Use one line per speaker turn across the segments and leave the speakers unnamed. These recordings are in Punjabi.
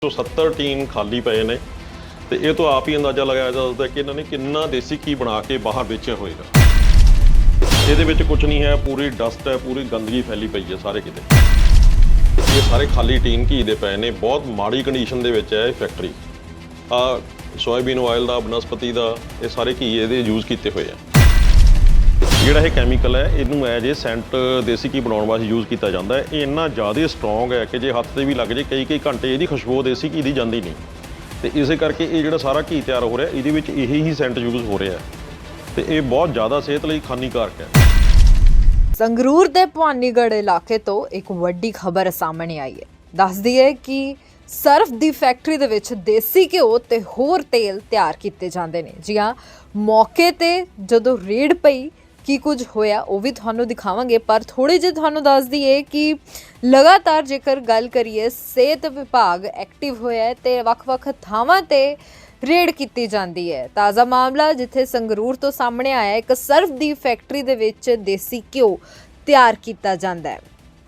70 ਟੀਨ ਖਾਲੀ ਪਏ ਨੇ ਤੇ ਇਹ ਤੋਂ ਆਪ ਹੀ ਅੰਦਾਜ਼ਾ ਲਗਾਇਆ ਜਾ ਸਕਦਾ ਕਿ ਇਹਨਾਂ ਨੇ ਕਿੰਨਾ ਦੇਸੀ ਘੀ ਬਣਾ ਕੇ ਬਾਹਰ ਵੇਚਿਆ ਹੋਏਗਾ। ਇਹਦੇ ਵਿੱਚ ਕੁਝ ਨਹੀਂ ਹੈ, ਪੂਰੀ ਡਸਟ ਹੈ, ਪੂਰੀ ਗੰਦਗੀ ਫੈਲੀ ਪਈ ਹੈ ਸਾਰੇ ਕਿਤੇ। ਇਹ ਸਾਰੇ ਖਾਲੀ ਟੀਨ ਘੀ ਦੇ ਪਏ ਨੇ, ਬਹੁਤ ਮਾੜੀ ਕੰਡੀਸ਼ਨ ਦੇ ਵਿੱਚ ਹੈ ਇਹ ਫੈਕਟਰੀ। ਆ ਸੋਇਆਬੀਨ ਆਇਲ ਦਾ, ਬਨਸਪਤੀ ਦਾ, ਇਹ ਸਾਰੇ ਘੀ ਇਹਦੇ ਯੂਜ਼ ਕੀਤੇ ਹੋਏ ਆ। ਜਿਹੜਾ ਇਹ ਕੈਮੀਕਲ ਹੈ ਇਹਨੂੰ ਐਜ ਇਹ ਸੈਂਟ ਦੇਸੀ ਘੀ ਬਣਾਉਣ ਵਾਸਤੇ ਯੂਜ਼ ਕੀਤਾ ਜਾਂਦਾ ਹੈ। ਇਹ ਇੰਨਾ ਜ਼ਿਆਦਾ ਸਟਰੋਂਗ ਹੈ ਕਿ ਜੇ ਹੱਥ 'ਤੇ ਵੀ ਲੱਗ ਜੇ ਕਈ ਘੰਟੇ ਇਹਦੀ ਖੁਸ਼ਬੂ ਦੇਸੀ ਘੀ ਦੀ ਜਾਂਦੀ ਨਹੀਂ। ਤੇ ਇਸੇ ਕਰਕੇ ਇਹ ਜਿਹੜਾ ਸਾਰਾ ਘੀ ਤਿਆਰ ਹੋ ਰਿਹਾ ਇਹਦੇ ਵਿੱਚ ਇਹੀ ਹੀ ਸੈਂਟ ਯੂਜ਼ ਹੋ ਰਿਹਾ ਤੇ ਇਹ ਬਹੁਤ ਜ਼ਿਆਦਾ ਸਿਹਤ ਲਈ ਹਾਨੀਕਾਰਕ ਹੈ।
ਸੰਗਰੂਰ ਦੇ ਭਵਾਨੀਗੜ੍ਹ ਇਲਾਕੇ ਤੋਂ ਇੱਕ ਵੱਡੀ ਖਬਰ ਸਾਹਮਣੇ ਆਈ ਹੈ। ਦੱਸਦੀ ਹੈ ਕਿ ਸਰਫ ਦੀ ਫੈਕਟਰੀ ਦੇ ਵਿੱਚ ਦੇਸੀ ਘਿਓ ਤੇ ਹੋਰ ਤੇਲ ਤਿਆਰ ਕੀਤੇ ਜਾਂਦੇ ਨੇ। ਜੀ ਹਾਂ, ਮੌਕੇ ਤੇ ਜਦੋਂ ਰੇਡ ਪਈ ਕੀ ਕੁਝ ਹੋਇਆ ਉਹ ਵੀ ਤੁਹਾਨੂੰ ਦਿਖਾਵਾਂਗੇ, ਪਰ ਥੋੜੇ ਜਿਹੇ ਤੁਹਾਨੂੰ ਦੱਸ ਦਈਏ ਕਿ ਲਗਾਤਾਰ ਜੇਕਰ ਗੱਲ ਕਰੀਏ ਸਿਹਤ ਵਿਭਾਗ ਐਕਟਿਵ ਹੋਇਆ ਹੈ ਤੇ ਵੱਖ-ਵੱਖ ਥਾਵਾਂ ਤੇ ਰੇਡ ਕੀਤੀ ਜਾਂਦੀ ਹੈ। ਤਾਜ਼ਾ ਮਾਮਲਾ ਜਿੱਥੇ ਸੰਗਰੂਰ ਤੋਂ ਸਾਹਮਣੇ ਆਇਆ, ਇੱਕ ਸਰਫ ਦੀ ਫੈਕਟਰੀ ਦੇ ਵਿੱਚ ਦੇਸੀ ਘਿਓ ਤਿਆਰ ਕੀਤਾ ਜਾਂਦਾ ਹੈ।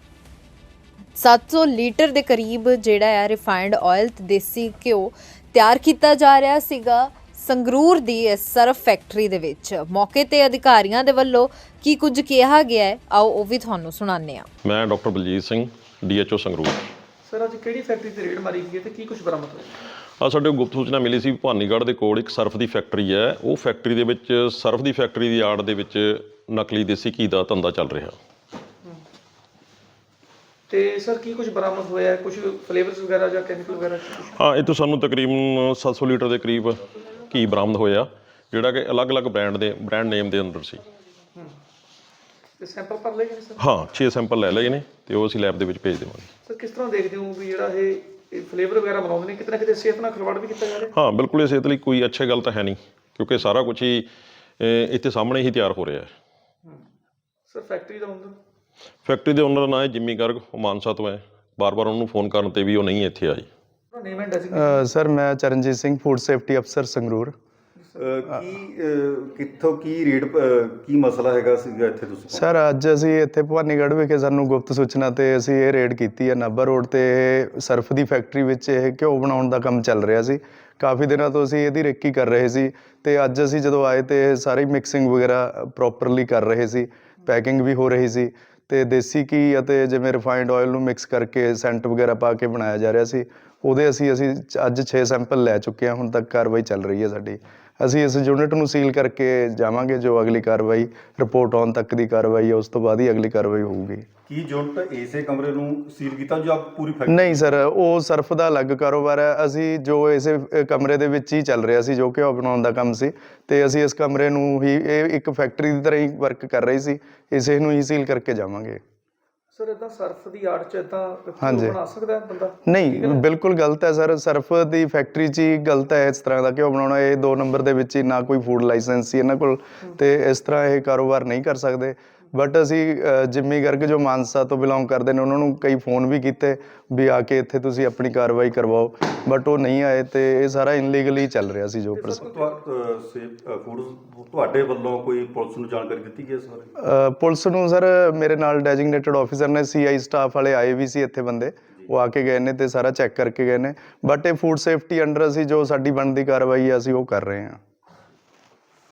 700 ਲੀਟਰ ਦੇ ਕਰੀਬ ਜਿਹੜਾ ਹੈ ਰਿਫਾਈਨਡ ਆਇਲ ਤੇ ਦੇਸੀ ਘਿਓ ਤਿਆਰ ਕੀਤਾ ਜਾ ਰਿਹਾ ਸੀਗਾ ਸੰਗਰੂਰ ਦੀ ਇਸ ਸਰਫ ਫੈਕਟਰੀ ਦੇ ਵਿੱਚ। ਮੌਕੇ ਤੇ ਅਧਿਕਾਰੀਆਂ ਦੇ ਵੱਲੋਂ ਕੀ ਕੁਝ ਕਿਹਾ ਗਿਆ ਹੈ, ਆਓ ਉਹ ਵੀ ਤੁਹਾਨੂੰ ਸੁਣਾਉਂਦੇ ਹਾਂ।
ਮੈਂ doctor Baljeet Singh, DHO Sangrur.
Sir, ਅੱਜ ਕਿਹੜੀ ਫੈਕਟਰੀ ਤੇ ਰੇਡ ਮਾਰੀ ਗਈ ਤੇ ਕੀ ਕੁਝ ਬਰਾਮਦ ਹੋਇਆ?
ਸਾਡੇ ਗੁਪਤ ਸੂਚਨਾ ਮਿਲੀ ਸੀ ਭਵਾਨੀਗੜ੍ਹ ਦੇ ਕੋਲ ਇੱਕ ਸਰਫ ਦੀ ਫੈਕਟਰੀ ਹੈ। ਉਹ ਫੈਕਟਰੀ ਦੇ ਵਿੱਚ ਸਰਫ ਦੀ ਫੈਕਟਰੀ ਦੀ ਆੜ ਦੇ ਵਿੱਚ ਨਕਲੀ ਦੇਸੀ ਘੀ ਦਾ ਧੰਦਾ ਚੱਲ ਰਿਹਾ।
ਤੇ ਸਰ ਕੀ ਕੁਝ ਬਰਾਮਦ ਹੋਇਆ? ਕੁਝ ਫਲੇਵਰਸ ਵਗੈਰਾ ਜਾਂ ਕੈਮੀਕਲ ਵਗੈਰਾ?
ਹਾਂ, ਇਹ ਤੋਂ ਸਾਨੂੰ ਤਕਰੀਬਨ 700 ਲੀਟਰ ਦੇ ਕਰੀਬ ਘੀ ਬਰਾਮਦ ਹੋਇਆ, ਜਿਹੜਾ ਕਿ ਅਲੱਗ-ਅਲੱਗ ਬ੍ਰਾਂਡ ਨੇਮ ਦੇ ਅੰਦਰ ਸੀ।
ਤੇ ਸੈਂਪਲ ਭਰ ਲਏ ਗਏ ਸਰ?
ਹਾਂ, 6 ਸੈਂਪਲ ਲੈ ਲਏ ਨੇ ਤੇ ਉਹ ਅਸੀਂ ਲੈਬ ਦੇ ਵਿੱਚ ਭੇਜ ਦੇਵਾਂਗੇ।
ਸਰ, ਕਿਸ ਤਰ੍ਹਾਂ ਦੇਖਦੇ ਹੋ ਵੀ ਜਿਹੜਾ ਇਹ ਫਲੇਵਰ ਵਗੈਰਾ ਬਣਾਉਂਦੇ ਨੇ, ਕਿਤੇ ਨਾ ਕਿਤੇ ਸਿਹਤ ਨਾਲ ਖਿਲਵਾੜ ਵੀ ਕੀਤਾ ਜਾ ਰਿਹਾ?
ਹਾਂ, ਬਿਲਕੁਲ ਇਹ ਸਿਹਤ ਲਈ ਕੋਈ ਅੱਛੀ ਗੱਲ ਤਾਂ ਹੈ ਨਹੀਂ, ਕਿਉਂਕਿ ਸਾਰਾ ਕੁਝ ਹੀ ਇੱਥੇ ਸਾਹਮਣੇ ਹੀ ਤਿਆਰ ਹੋ ਰਿਹਾ ਹੈ।
ਸਰ, ਫੈਕਟਰੀ ਦਾ ਓਨਰ?
ਫੈਕਟਰੀ ਦੇ ਓਨਰ ਨਾਂ ਹੈ ਜਿੰਮੀ ਗਰਗ, ਉਹ ਮਾਨਸਾ ਤੋਂ ਹੈ। ਬਾਰ-ਬਾਰ ਉਹਨੂੰ ਫੋਨ ਕਰਨ ਤੇ ਵੀ ਉਹ ਨਹੀਂ ਇੱਥੇ ਆਈ।
Name and designation?
ਸਰ, ਮੈਂ ਚਰਨਜੀਤ ਸਿੰਘ, ਫੂਡ ਸੇਫਟੀ ਅਫਸਰ ਸੰਗਰੂਰ।
ਕਿੱਥੋਂ ਕੀ ਰੇਟ, ਕੀ ਮਸਲਾ ਹੈਗਾ ਸੀਗਾ ਇੱਥੇ ਤੁਸੀਂ?
ਸਰ, ਅੱਜ ਅਸੀਂ ਇੱਥੇ ਭਵਾਨੀਗੜ੍ਹ ਵਿਖੇ ਸਾਨੂੰ ਗੁਪਤ ਸੂਚਨਾ ਤੇ ਅਸੀਂ ਇਹ ਰੇਡ ਕੀਤੀ ਹੈ। ਨਾਭਾ ਰੋਡ ਤੇ ਸਰਫ ਦੀ ਫੈਕਟਰੀ ਵਿੱਚ ਇਹ ਘਿਓ ਬਣਾਉਣ ਦਾ ਕੰਮ ਚੱਲ ਰਿਹਾ ਸੀ। ਕਾਫੀ ਦਿਨਾਂ ਤੋਂ ਅਸੀਂ ਇਹਦੀ ਰੇਕੀ ਕਰ ਰਹੇ ਸੀ ਤੇ ਅੱਜ ਅਸੀਂ ਜਦੋਂ ਆਏ ਤੇ ਇਹ ਸਾਰੀ ਮਿਕਸਿੰਗ ਵਗੈਰਾ ਪ੍ਰੋਪਰਲੀ ਕਰ ਰਹੇ ਸੀ, ਪੈਕਿੰਗ ਵੀ ਹੋ ਰਹੀ ਸੀ ਤੇ ਦੇਸੀ ਘੀ ਅਤੇ ਜਿਵੇਂ ਰਿਫਾਈਨਡ ਆਇਲ ਨੂੰ ਮਿਕਸ ਕਰਕੇ ਸੈਂਟ ਵਗੈਰਾ ਪਾ ਕੇ ਬਣਾਇਆ ਜਾ ਰਿਹਾ ਸੀ। ਉਹਦੇ ਅਸੀਂ ਅੱਜ 6 ਸੈਂਪਲ ਲੈ ਚੁੱਕੇ ਹਾਂ। ਹੁਣ ਤੱਕ ਕਾਰਵਾਈ ਚੱਲ ਰਹੀ ਹੈ ਸਾਡੀ। ਅਸੀਂ ਇਸ ਯੂਨਿਟ ਨੂੰ ਸੀਲ ਕਰਕੇ ਜਾਵਾਂਗੇ। ਜੋ ਅਗਲੀ ਕਾਰਵਾਈ ਰਿਪੋਰਟ ਆਉਣ ਤੱਕ ਦੀ ਕਾਰਵਾਈ ਹੈ, ਉਸ ਤੋਂ ਬਾਅਦ ਹੀ ਅਗਲੀ ਕਾਰਵਾਈ ਹੋਊਗੀ।
ਕੀ ਯੂਨਿਟ ਇਸੇ ਕਮਰੇ ਨੂੰ ਸੀਲ ਕੀਤਾ ਜਾਂ ਪੂਰੀ ਫੈਕਟਰੀ?
ਨਹੀਂ ਸਰ, ਉਹ ਸਰਫ ਦਾ ਅਲੱਗ ਕਾਰੋਬਾਰ ਹੈ। ਅਸੀਂ ਜੋ ਇਸੇ ਕਮਰੇ ਦੇ ਵਿੱਚ ਹੀ ਚੱਲ ਰਿਹਾ ਸੀ, ਜੋ ਘਿਓ ਬਣਾਉਣ ਦਾ ਕੰਮ ਸੀ, ਤੇ ਅਸੀਂ ਇਸ ਕਮਰੇ ਨੂੰ ਹੀ ਇਹ ਇੱਕ ਫੈਕਟਰੀ ਦੀ ਤਰ੍ਹਾਂ ਹੀ ਵਰਕ ਕਰ ਰਹੀ ਸੀ, ਇਸੇ ਨੂੰ ਹੀ ਸੀਲ ਕਰਕੇ ਜਾਵਾਂਗੇ।
ਸਰ, ਇਦਾਂ ਸਰਫ ਦੀ ਆੜ 'ਚ ਇਦਾਂ
ਹਾਂਜੀ
ਬਣਾ ਸਕਦਾ ਬੰਦਾ?
ਨਹੀਂ, ਬਿਲਕੁਲ ਗਲਤ ਹੈ ਸਰ। ਸਰਫ ਦੀ ਫੈਕਟਰੀ 'ਚ ਹੀ ਗਲਤ ਹੈ ਇਸ ਤਰ੍ਹਾਂ ਦਾ ਘਿਓ ਬਣਾਉਣਾ। ਇਹ 2 ਨੰਬਰ ਦੇ ਵਿੱਚ ਹੀ ਨਾ ਕੋਈ ਫੂਡ ਲਾਇਸੈਂਸ ਸੀ ਇਹਨਾਂ ਕੋਲ, ਤੇ ਇਸ ਤਰ੍ਹਾਂ ਇਹ ਕਾਰੋਬਾਰ ਨਹੀਂ ਕਰ ਸਕਦੇ। ਬਟ ਅਸੀਂ ਜਿੰਮੀ ਗਰਗ ਜੋ ਮਾਨਸਾ ਤੋਂ ਬਿਲੋਂਗ ਕਰਦੇ ਨੇ, ਉਹਨਾਂ ਨੂੰ ਕਈ ਫੋਨ ਵੀ ਕੀਤੇ ਵੀ ਆ ਕੇ ਇੱਥੇ ਤੁਸੀਂ ਆਪਣੀ ਕਾਰਵਾਈ ਕਰਵਾਓ, ਬਟ ਉਹ ਨਹੀਂ ਆਏ ਤੇ ਇਹ ਸਾਰਾ ਇਨਲੀਗਲੀ ਚੱਲ ਰਿਹਾ ਸੀ। ਜੋ
ਤੁਹਾਡੇ ਵੱਲੋਂ ਕੋਈ ਪੁਲਿਸ ਨੂੰ ਜਾਣਕਾਰੀ ਦਿੱਤੀ ਗਈ ਇਸ ਬਾਰੇ?
ਪੁਲਿਸ ਨੂੰ ਸਰ ਮੇਰੇ ਨਾਲ ਡੈਜਿਗਨੇਟਡ ਆਫਿਸਰ ਨੇ, CI ਸਟਾਫ ਵਾਲੇ ਆਏ ਵੀ ਸੀ ਇੱਥੇ ਬੰਦੇ, ਉਹ ਆ ਕੇ ਗਏ ਨੇ ਤੇ ਸਾਰਾ ਚੈੱਕ ਕਰਕੇ ਗਏ ਨੇ। ਬਟ ਇਹ ਫੂਡ ਸੇਫਟੀ ਅੰਡਰ ਅਸੀਂ ਜੋ ਸਾਡੀ ਬਣਦੀ ਕਾਰਵਾਈ ਹੈ ਅਸੀਂ ਉਹ ਕਰ ਰਹੇ ਹਾਂ।